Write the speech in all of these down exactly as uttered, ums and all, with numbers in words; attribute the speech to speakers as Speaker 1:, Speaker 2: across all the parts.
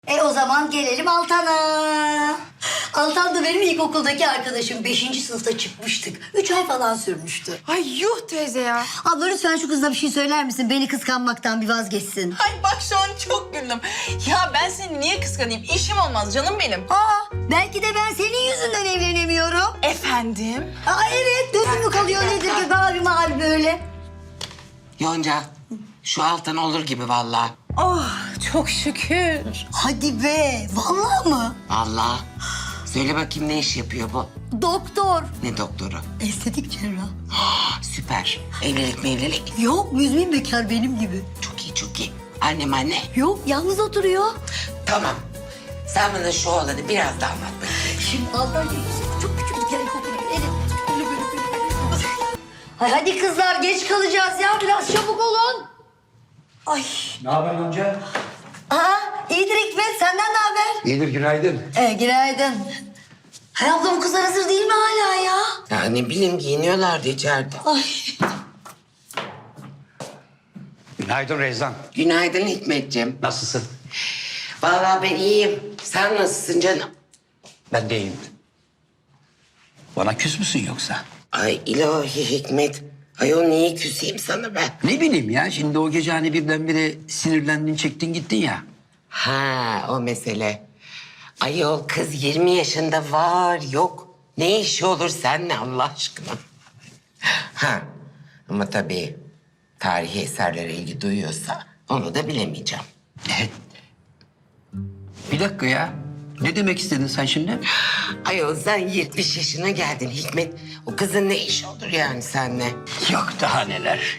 Speaker 1: E o zaman gelelim Altan'a. Altan da benim ilkokuldaki arkadaşım. Beşinci sınıfta çıkmıştık. Üç ay falan sürmüştü.
Speaker 2: Ay yuh teyze ya.
Speaker 1: Abla lütfen şu kızla bir şey söyler misin? Beni kıskanmaktan bir vazgeçsin.
Speaker 2: Ay bak şu an çok güldüm. Ya ben seni niye kıskanayım? İşim olmaz canım benim.
Speaker 1: Aa, belki de ben senin yüzünden evlenemiyorum.
Speaker 2: Efendim?
Speaker 1: Aa evet, gözüm mü kalıyor nedir ki mavi mavi böyle?
Speaker 3: Yonca, şu Altan olur gibi vallahi.
Speaker 2: Oh çok şükür.
Speaker 1: Hadi be, vallahi mı?
Speaker 3: Vallahi. Söyle bakayım ne iş yapıyor bu?
Speaker 1: Doktor.
Speaker 3: Ne doktoru?
Speaker 1: Estetik cerrah.
Speaker 3: Ah, süper. Evlilik mevlilik.
Speaker 1: Yok, müzmin bekar benim gibi.
Speaker 3: Çok iyi, çok iyi. Annem anne.
Speaker 1: Yok, yalnız oturuyor.
Speaker 3: Tamam. Sen bana şu olanı biraz daha anlat bakayım.
Speaker 1: Şimdi Altan çok küçük yani kokuyor. Elim böyle böyle böyle. Ay, hadi kızlar geç kalacağız ya, biraz çabuk olun. Ay.
Speaker 4: Ne haber Yonca?
Speaker 1: Aa, iyidir Hikmet, senden ne haber?
Speaker 4: İyidir, günaydın.
Speaker 1: Ee, günaydın. Hay abla, bu kızlar hazır değil mi hala ya?
Speaker 3: Ya ne bileyim giyiniyorlardı içeride.
Speaker 1: Ay.
Speaker 4: Günaydın Rezan.
Speaker 3: Günaydın Hikmetciğim.
Speaker 4: Nasılsın?
Speaker 3: Vallahi ben iyiyim. Sen nasılsın canım?
Speaker 4: Ben de iyiyim. Bana küs müsün yoksa?
Speaker 3: Ay ilahi Hikmet. Ayol niye küseyim sana ben?
Speaker 4: Ne bileyim ya, şimdi o gece hani birdenbire sinirlendin, çektin gittin ya.
Speaker 3: Ha o mesele. Ayol kız yirmi yaşında var yok. Ne işi olur seninle Allah aşkına? Ha ama tabii tarihi eserlere ilgi duyuyorsa onu da bilemeyeceğim.
Speaker 4: Evet. Bir dakika ya. Ne demek istedin sen şimdi?
Speaker 3: Ayol sen yetmiş yaşına geldin Hikmet. O kızın ne işi olur yani seninle?
Speaker 4: Yok daha neler.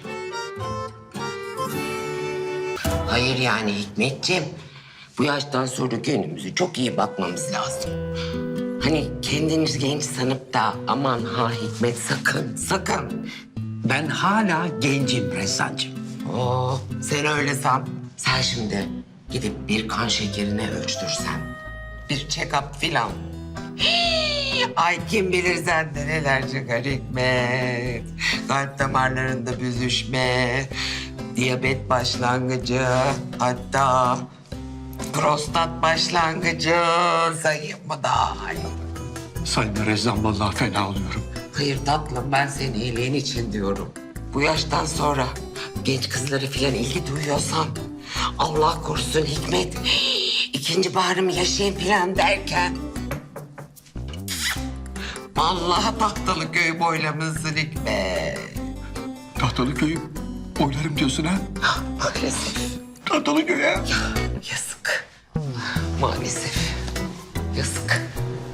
Speaker 3: Hayır yani Hikmetciğim. Bu yaştan sonra kendimize çok iyi bakmamız lazım. Hani kendiniz genç sanıp da aman ha Hikmet sakın sakın.
Speaker 4: Ben hala gencim Rezancığım.
Speaker 3: Oo, sen öyle san. Sen şimdi gidip bir kan şekerini ölçtürsen. Bir check-up filan. Hii, ay kim bilir sende neler çıkar Hikmet. Kalp damarlarında büzüşme, diyabet başlangıcı, hatta prostat başlangıcı sayayım mı daha?
Speaker 4: Sayın Rezan, vallahi fena oluyorum.
Speaker 3: Hayır tatlım, ben senin iyiliğin için diyorum. Bu yaştan sonra genç kızlara filan ilgi duyuyorsan Allah korusun Hikmet. İkinci baharımı yaşayayım filan derken vallahi Tahtalıköy boylamışsın Hikmet.
Speaker 4: Tahtalıköy'ü oylarım diyorsun ha?
Speaker 3: Maalesef.
Speaker 4: Tahtalıköy'e.
Speaker 3: Yazık. Maalesef. Yazık.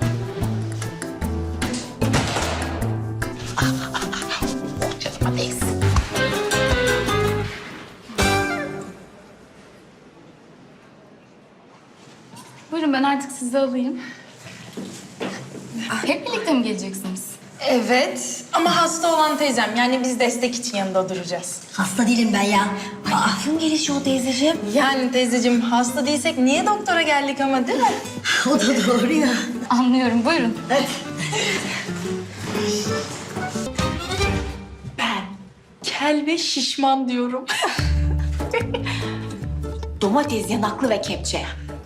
Speaker 3: Oh canıma değsin.
Speaker 5: Buyurun ben artık sizi alayım. Hep birlikte mi geleceksiniz?
Speaker 2: Evet ama hasta olan teyzem. Yani biz destek için yanında duracağız.
Speaker 1: Hasta değilim ben ya. Ay, aklım gelişi o teyzeciğim.
Speaker 2: Yani teyzeciğim hasta değilsek niye doktora geldik ama değil mi?
Speaker 1: O da doğru ya.
Speaker 5: Anlıyorum buyurun.
Speaker 2: Ben kel ve şişman diyorum.
Speaker 6: Domates, yanaklı ve kepçe.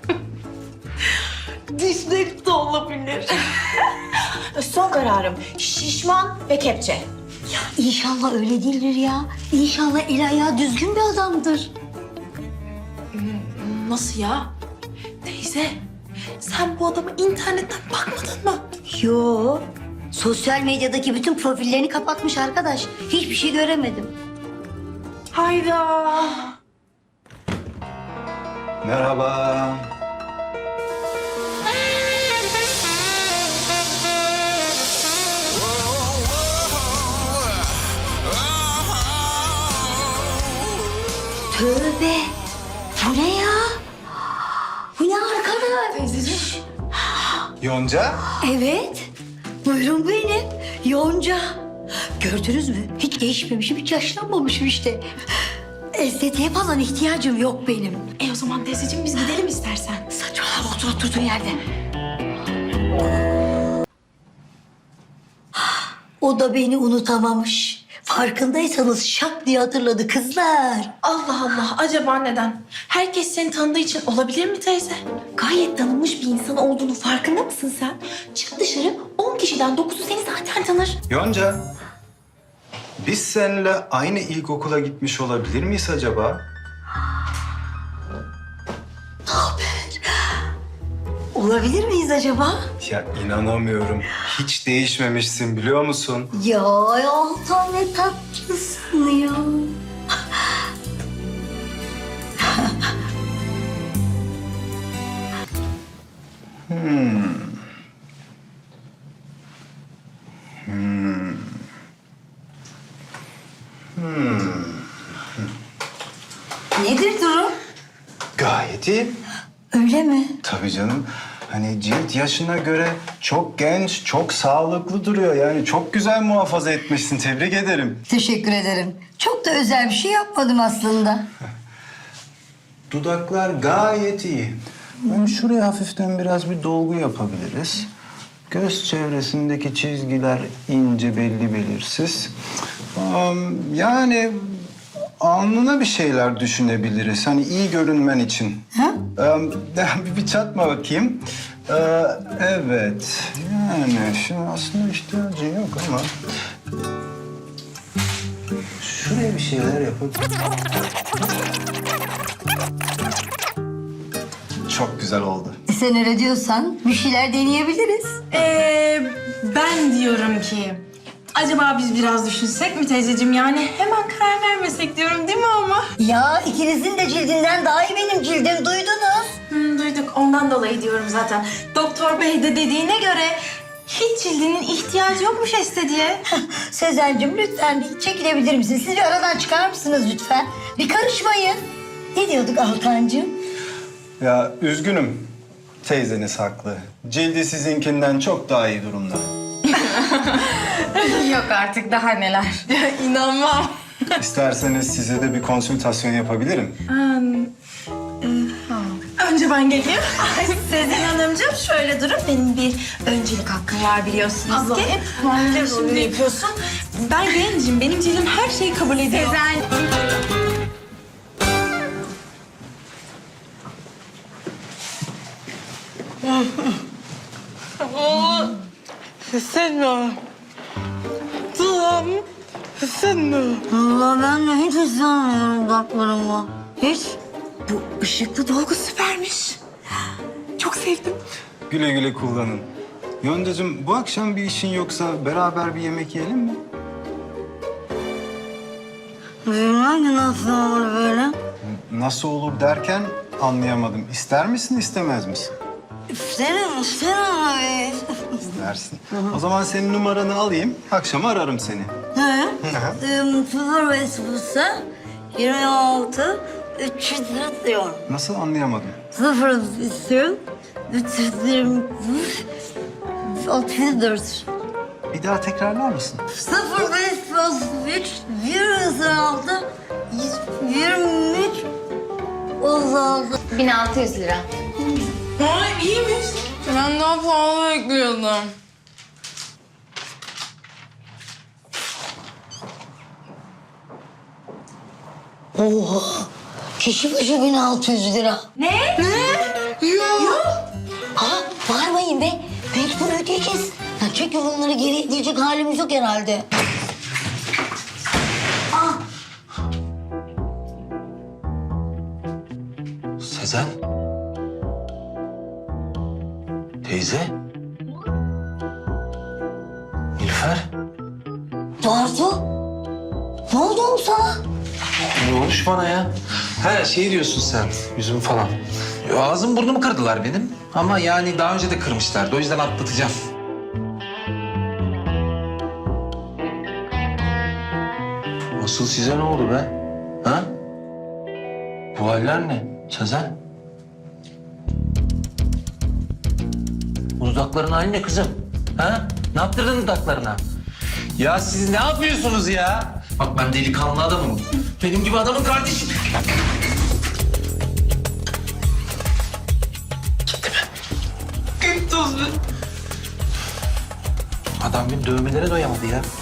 Speaker 2: Dişleri de olabilir.
Speaker 6: Son kararım şişman ve kepçe.
Speaker 1: İnşallah öyle değildir ya. İnşallah el ayağı düzgün bir adamdır.
Speaker 2: Nasıl ya? Teyze sen bu adamı internetten bakmadın mı?
Speaker 1: Yo. Sosyal medyadaki bütün profillerini kapatmış arkadaş. Hiçbir şey göremedim.
Speaker 2: Hayda.
Speaker 7: Merhaba.
Speaker 1: Tövbe. Bu ne ya? Bu ne arkadaş? Teyzeciğim.
Speaker 7: Yonca?
Speaker 1: Evet. Buyurun benim. Yonca. Gördünüz mü? Hiç değişmemişim, hiç yaşlanmamışım işte. Estetiğe falan ihtiyacım yok benim.
Speaker 6: E o zaman teyzeciğim biz gidelim istersen.
Speaker 1: Saçmalama, otur oturduğun yerde. O da beni unutamamış. Farkındaysanız şak diye hatırladı kızlar.
Speaker 6: Allah Allah, acaba neden? Herkes seni tanıdığı için olabilir mi teyze? Gayet tanınmış bir insan olduğunu farkında mısın sen? Çık dışarı, on kişiden dokuzu seni zaten tanır.
Speaker 7: Yonca, biz seninle aynı ilkokula gitmiş olabilir miyiz acaba?
Speaker 1: Olabilir miyiz acaba?
Speaker 7: Ya inanamıyorum. Hiç değişmemişsin biliyor musun?
Speaker 1: Ya Altan ne tatlısın ya. Nedir durum?
Speaker 7: Gayet iyi.
Speaker 1: Öyle mi?
Speaker 7: Tabii canım. Hani cilt yaşına göre çok genç, çok sağlıklı duruyor. Yani çok güzel muhafaza etmişsin. Tebrik ederim.
Speaker 1: Teşekkür ederim. Çok da özel bir şey yapmadım aslında.
Speaker 7: Dudaklar gayet iyi. Yani şuraya hafiften biraz bir dolgu yapabiliriz. Göz çevresindeki çizgiler ince, belli belirsiz. Am, Yani alnına bir şeyler düşünebiliriz. Hani iyi görünmen için.
Speaker 1: Ha?
Speaker 7: Am, bir, bir çatma bakayım. Ee, evet. Yani şimdi aslında ihtiyacın yok ama... Şuraya bir şeyler yapalım. Çok güzel oldu.
Speaker 1: E sen öyle diyorsan bir şeyler deneyebiliriz.
Speaker 6: Ee, ben diyorum ki... Acaba biz biraz düşünsek mi teyzeciğim? Yani hemen karar vermesek diyorum değil mi ama?
Speaker 1: Ya ikinizin de cildinden daha iyi benim cildim duydunuz.
Speaker 6: Hı, duyduk. Ondan dolayı diyorum zaten. Doktor bey de dediğine göre hiç cildinin ihtiyacı yokmuş estetiğe.
Speaker 1: Sezen'cim lütfen bir çekilebilir misiniz? Siz bir aradan çıkar mısınız lütfen? Bir karışmayın. Ne diyorduk Altancığım?
Speaker 7: Ya üzgünüm. Teyzeniz haklı. Cildi sizinkinden çok daha iyi durumda.
Speaker 5: Yok artık daha neler.
Speaker 6: Ya inanmam.
Speaker 7: İsterseniz size de bir konsültasyon yapabilirim.
Speaker 6: Önce ben geleyim. Ay Sezen Hanımcığım şöyle durun. Benim bir öncelik hakkım var biliyorsunuz ki. Hep şimdi yapıyorsun. Ben gencim. Benim cildim her şeyi kabul ediyor. Sezen.
Speaker 2: Hissetmiyorum. Dudağım hissetmiyorum.
Speaker 1: Allah ben de hiç hissetmiyorum dudaklarımı. Hiç.
Speaker 6: Bu ışıklı dolgu süpermiş. Çok sevdim.
Speaker 7: Güle güle kullanın. Yoncacığım bu akşam bir işin yoksa beraber bir yemek yiyelim mi?
Speaker 1: Bilmem ki nasıl olur böyle.
Speaker 7: Nasıl olur derken anlayamadım. İster misin, istemez misin?
Speaker 1: İsterim, isterim abi.
Speaker 7: İstersin. O zaman senin numaranı alayım. Akşam ararım seni.
Speaker 1: He? Sıfır ve sıfırsa yirmi altı üç yüz diyor.
Speaker 7: Nasıl anlayamadım?
Speaker 1: Sıfır istiyorum. üç yüz yirmi üç, otuz dört.
Speaker 7: Bir daha tekrarlar mısın?
Speaker 1: Sıfır beş üç, yirmi altı, yirmi üç, otuz altı.
Speaker 5: bin altı yüz lira.
Speaker 6: Ay iyiymiş.
Speaker 2: Ben daha pahalı bekliyordum.
Speaker 1: Oha! Kişi başı bin altı yüz lira.
Speaker 6: Ne? Ne? Yok.
Speaker 1: Ha, bağırmayın be. Mecbur ödeyeceğiz. Ya çünkü bunları geri ödeyecek halimiz yok herhalde.
Speaker 4: Sezen. Teyze. Nilüfer.
Speaker 1: Bartu, ne oldu oğlum sana?
Speaker 4: Ne olmuş bana ya? Ha şey diyorsun sen, yüzüm falan. Ya, ağzım burnumu kırdılar benim. Ama yani daha önce de kırmışlardı. O yüzden atlatacağım. Asıl size ne oldu be? Ha? Bu haller ne? Sezen? Bu dudakların hali ne kızım? Ha? Ne yaptırdın dudaklarına? Ya siz ne yapıyorsunuz ya? Bak ben delikanlı adamım. Benim gibi adamın kardeşi. Gitti mi?
Speaker 2: Gitti.
Speaker 4: Adam benim dövmelere doyamadı ya.